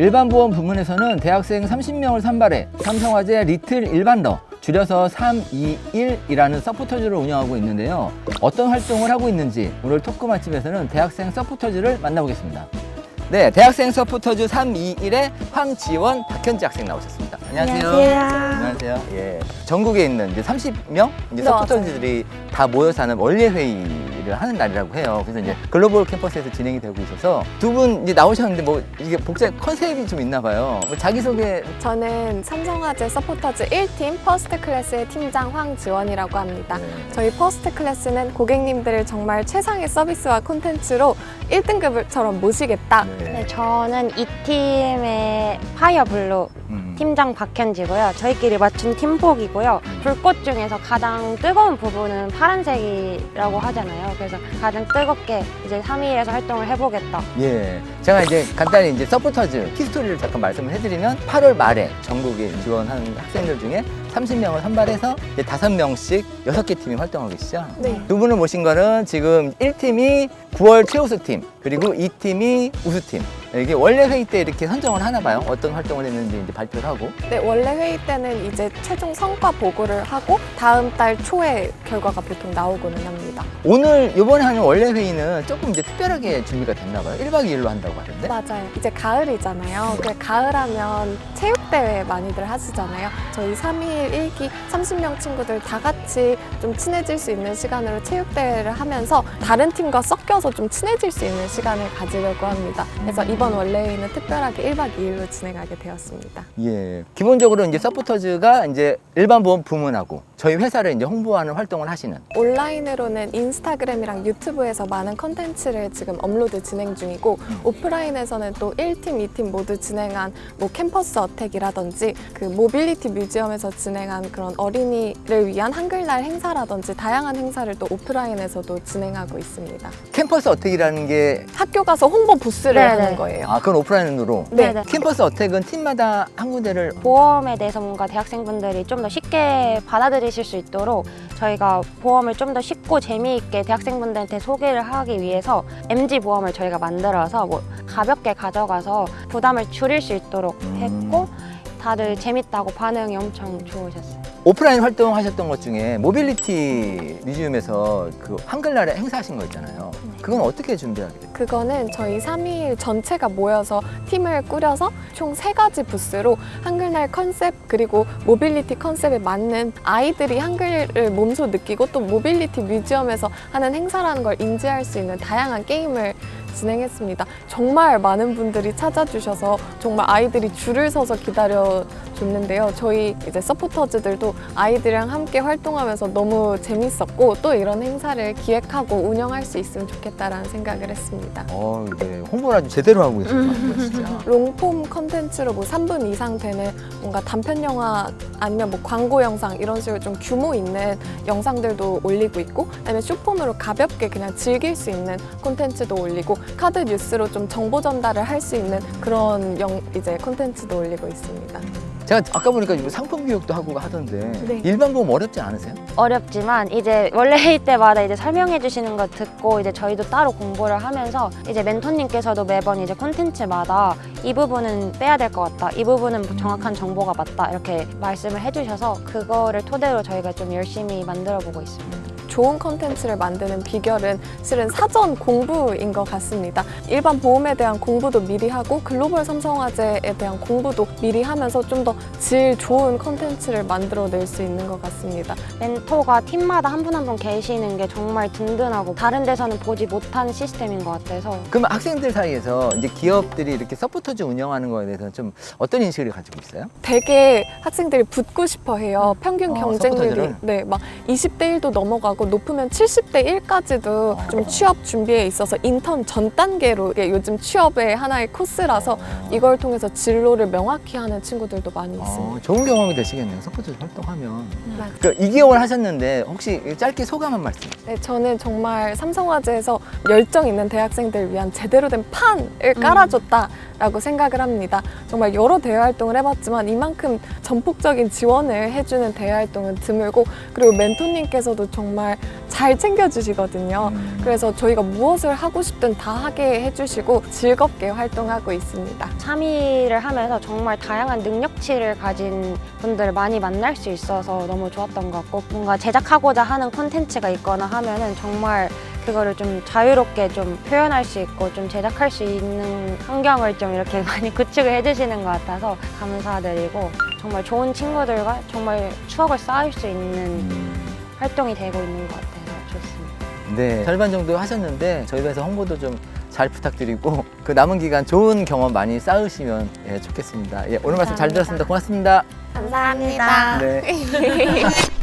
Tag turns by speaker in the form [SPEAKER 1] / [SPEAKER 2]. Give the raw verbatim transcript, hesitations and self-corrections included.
[SPEAKER 1] 일반보험 부문에서는 대학생 삼십 명을 선발해 삼성화재 리틀 일반러 줄여서 삼이일이라는 서포터즈를 운영하고 있는데요. 어떤 활동을 하고 있는지 오늘 토크 맛집에서는 대학생 서포터즈를 만나보겠습니다. 네, 대학생 서포터즈 삼이일의 황지원, 박현지 학생 나오셨습니다. 안녕하세요.
[SPEAKER 2] 안녕하세요.
[SPEAKER 1] 안녕하세요. 예. 전국에 있는 이제 삼십 명 이제
[SPEAKER 2] 네,
[SPEAKER 1] 서포터즈들이 다 모여서 하는 원래 회의를 하는 날이라고 해요. 그래서 이제 글로벌 캠퍼스에서 진행이 되고 있어서 두 분 이제 나오셨는데 뭐 이게 복잡 컨셉이 좀 있나 봐요. 뭐 자기소개.
[SPEAKER 2] 저는 삼성화재 서포터즈 일 팀 퍼스트 클래스의 팀장 황지원이라고 합니다.
[SPEAKER 1] 네.
[SPEAKER 2] 저희 퍼스트 클래스는 고객님들을 정말 최상의 서비스와 콘텐츠로 일 등급처럼 모시겠다.
[SPEAKER 1] 네.
[SPEAKER 3] 네, 저는 이 팀의 파이어블루
[SPEAKER 1] 음.
[SPEAKER 3] 팀장 박현지고요. 저희끼리 맞춘 팀복이고요. 불꽃 중에서 가장 뜨거운 부분은 파란색이라고 하잖아요. 그래서 가장 뜨겁게 이제 삼이일에서 활동을 해보겠다.
[SPEAKER 1] 예. 제가 이제 간단히 이제 서포터즈 히스토리를 잠깐 말씀을 해드리면 팔월 말에 전국에 지원한 학생들 중에 삼십 명을 선발해서 이제 다섯 명씩 여섯 개 팀이 활동하고 계시죠?
[SPEAKER 2] 네.
[SPEAKER 1] 두 분을 모신 거는 지금 일 팀이 구월 최우수팀, 그리고 이 팀이 우수팀. 이게 원래 회의 때 이렇게 선정을 하나 봐요. 어떤 활동을 했는지 이제 발표를 하고.
[SPEAKER 2] 네, 원래 회의 때는 이제 최종 성과 보고를 하고 다음 달 초에 결과가 보통 나오고는 합니다.
[SPEAKER 1] 오늘 이번에 하는 원래 회의는 조금 이제 특별하게 준비가 됐나 봐요. 일 박 이 일로 한다고 하던데.
[SPEAKER 2] 맞아요. 이제 가을이잖아요. 그 가을하면 체육대회 많이들 하시잖아요. 저희 삼이일 일 기 삼십 명 친구들 다 같이 좀 친해질 수 있는 시간으로 체육대회를 하면서 다른 팀과 섞여서 좀 친해질 수 있는 시간을 가지려고 합니다. 그래서 이번 원래 회의는 특별하게 일 박 이 일로 진행하게 되었습니다.
[SPEAKER 1] 예. 기본적으로 이제 서포터즈가 이제 일반 보험 부문하고 저희 회사를 이제 홍보하는 활동을 하시는.
[SPEAKER 2] 온라인으로는 인스타그램이랑 유튜브에서 많은 컨텐츠를 지금 업로드 진행 중이고
[SPEAKER 1] 음.
[SPEAKER 2] 오프라인에서는 또 일 팀, 이 팀 모두 진행한 뭐 캠퍼스 어택이라든지 그 모빌리티 뮤지엄에서 진행한 그런 어린이를 위한 한글날 행사라든지 다양한 행사를 또 오프라인에서도 진행하고 있습니다.
[SPEAKER 1] 캠퍼스 어택이라는 게,
[SPEAKER 2] 학교 가서 홍보 부스를
[SPEAKER 3] 네네.
[SPEAKER 2] 하는 거예요.
[SPEAKER 1] 아, 그건 오프라인으로.
[SPEAKER 2] 네.
[SPEAKER 3] 네네.
[SPEAKER 1] 캠퍼스 어택은 팀마다 한 군데를.
[SPEAKER 3] 보험에 대해서 뭔가 대학생분들이 좀 더 쉽게 받아들이실 수 있도록 저희가 보험을 좀 더 쉽고 재미있게 대학생분들한테 소개를 하기 위해서 엠지 보험을 저희가 만들어서 뭐 가볍게 가져가서 부담을 줄일 수 있도록
[SPEAKER 1] 음.
[SPEAKER 3] 했고 다들 재밌다고 반응이 엄청 좋으셨어요.
[SPEAKER 1] 오프라인 활동하셨던 것 중에 모빌리티 뮤지엄에서 그 한글날에 행사하신 거 있잖아요. 그건 어떻게 준비하게 됐어요?
[SPEAKER 2] 그거는 저희 삼이일 전체가 모여서 팀을 꾸려서 총 세 가지 부스로 한글날 컨셉 그리고 모빌리티 컨셉에 맞는 아이들이 한글을 몸소 느끼고 또 모빌리티 뮤지엄에서 하는 행사라는 걸 인지할 수 있는 다양한 게임을 진행했습니다. 정말 많은 분들이 찾아주셔서 정말 아이들이 줄을 서서 기다려 줬는데요. 저희 이제 서포터즈들도 아이들이랑 함께 활동하면서 너무 재밌었고 또 이런 행사를 기획하고 운영할 수 있으면 좋겠다라는 생각을 했습니다.
[SPEAKER 1] 어, 네. 홍보를 아주 제대로 하고 계신 것 같아요, 진짜.
[SPEAKER 2] 롱폼 컨텐츠로 뭐 삼 분 이상 되는 뭔가 단편 영화 아니면 뭐 광고 영상 이런 식으로 좀 규모 있는 영상들도 올리고 있고 그다음에 쇼폼으로 가볍게 그냥 즐길 수 있는 콘텐츠도 올리고 카드 뉴스로 좀 정보 전달을 할 수 있는 그런 영, 이제 콘텐츠도 올리고 있습니다.
[SPEAKER 1] 제가 아까 보니까 이거 상품 교육도 하고 하던데
[SPEAKER 2] 네.
[SPEAKER 1] 일반 보험 어렵지 않으세요?
[SPEAKER 3] 어렵지만 이제 원래 회의 때마다 이제 설명해 주시는 거 듣고 이제 저희도 따로 공부를 하면서 이제 멘토님께서도 매번 이제 콘텐츠마다 이 부분은 빼야 될 것 같다, 이 부분은 정확한 정보가 맞다 이렇게 말씀을 해주셔서 그거를 토대로 저희가 좀 열심히 만들어 보고 있습니다.
[SPEAKER 2] 좋은 컨텐츠를 만드는 비결은 실은 사전 공부인 것 같습니다. 일반 보험에 대한 공부도 미리 하고 글로벌 삼성화재에 대한 공부도 미리 하면서 좀 더 질 좋은 컨텐츠를 만들어낼 수 있는 것 같습니다.
[SPEAKER 3] 멘토가 팀마다 한 분 한 분 계시는 게 정말 든든하고 다른 데서는 보지 못한 시스템인 것 같아서
[SPEAKER 1] 그러면 학생들 사이에서 이제 기업들이 이렇게 서포터즈 운영하는 거에 대해서 좀 어떤 인식을 가지고 있어요?
[SPEAKER 2] 되게 학생들이 붙고 싶어 해요. 평균
[SPEAKER 1] 아,
[SPEAKER 2] 경쟁률이
[SPEAKER 1] 서포터즈를?
[SPEAKER 2] 네, 막 이십 대 일도 넘어가고 높으면 칠십 대 일까지도 좀 취업 준비에 있어서 인턴 전 단계로 이게 요즘 취업의 하나의 코스라서 이걸 통해서 진로를 명확히 하는 친구들도 많이 있습니다.
[SPEAKER 1] 어, 좋은 경험이 되시겠네요. 서포터즈 활동하면.
[SPEAKER 2] 맞아요.
[SPEAKER 1] 그러니까 이 개월 하셨는데 혹시 짧게 소감 한 말씀.
[SPEAKER 2] 네, 저는 정말 삼성화재에서 열정 있는 대학생들을 위한 제대로 된 판을 깔아줬다라고 생각을 합니다. 정말 여러 대외 활동을 해봤지만 이만큼 전폭적인 지원을 해주는 대외 활동은 드물고 그리고 멘토님께서도 정말 잘 챙겨주시거든요. 그래서 저희가 무엇을 하고 싶든 다 하게 해주시고 즐겁게 활동하고 있습니다.
[SPEAKER 3] 삼 일을 하면서 정말 다양한 능력치를 가진 분들을 많이 만날 수 있어서 너무 좋았던 것 같고, 뭔가 제작하고자 하는 콘텐츠가 있거나 하면은 정말 그거를 좀 자유롭게 좀 표현할 수 있고 좀 제작할 수 있는 환경을 좀 이렇게 많이 구축을 해주시는 것 같아서 감사드리고, 정말 좋은 친구들과 정말 추억을 쌓을 수 있는 활동이 되고 있는 것 같아서 좋습니다.
[SPEAKER 1] 네, 절반 정도 하셨는데 저희 회사 홍보도 좀 잘 부탁드리고 그 남은 기간 좋은 경험 많이 쌓으시면 예, 좋겠습니다. 예, 오늘 말씀 잘 들었습니다. 고맙습니다.
[SPEAKER 3] 감사합니다.
[SPEAKER 1] 네.